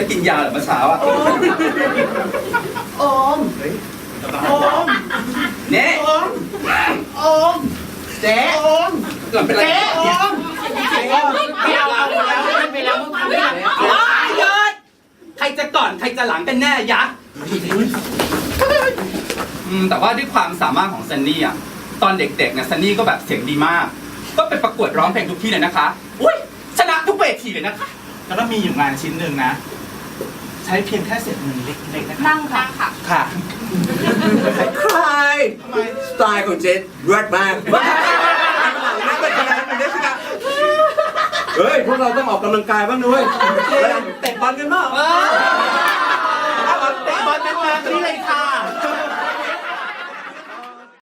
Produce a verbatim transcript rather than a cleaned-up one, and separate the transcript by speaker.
Speaker 1: กินยาเหรอเมื่อเช้าอ่ะ
Speaker 2: โอมโอม
Speaker 1: เนี่ย
Speaker 2: โอมโอมเจ๊โอม
Speaker 1: หลับเป็นไร
Speaker 2: เจ๊โอมไม่เอาเอาแล้วไม่แล้วมึงทำได้ไงอ๋อหยุด
Speaker 1: ใครจะก่อนใครจะหลังกันแน่ยะอืมแต่ว่าด้วยความสามารถของซันนี่อ่ะตอนเด็กๆเนี่ยซันนี่ก็แบบเสียงดีมากก็ไปประกวดร้องเพลงทุกที่เลยนะคะอุ้ยชนะทุกเวทีเลยนะคะแล้วก็มีอยู่งานชิ้นหนึ่งนะใช้เพียงแค่เศษเงินเล็กๆนะคะ
Speaker 3: นั่งค่ะค่ะ
Speaker 1: ค่ะ
Speaker 4: ใครสไตล์ของเจนเลิศมากไม่เป็นไรเป็นเด็กสิครับเฮ้ยพวกเราต้องออกกำลังกายบ้างด้วยเตะบอลกันบ้าง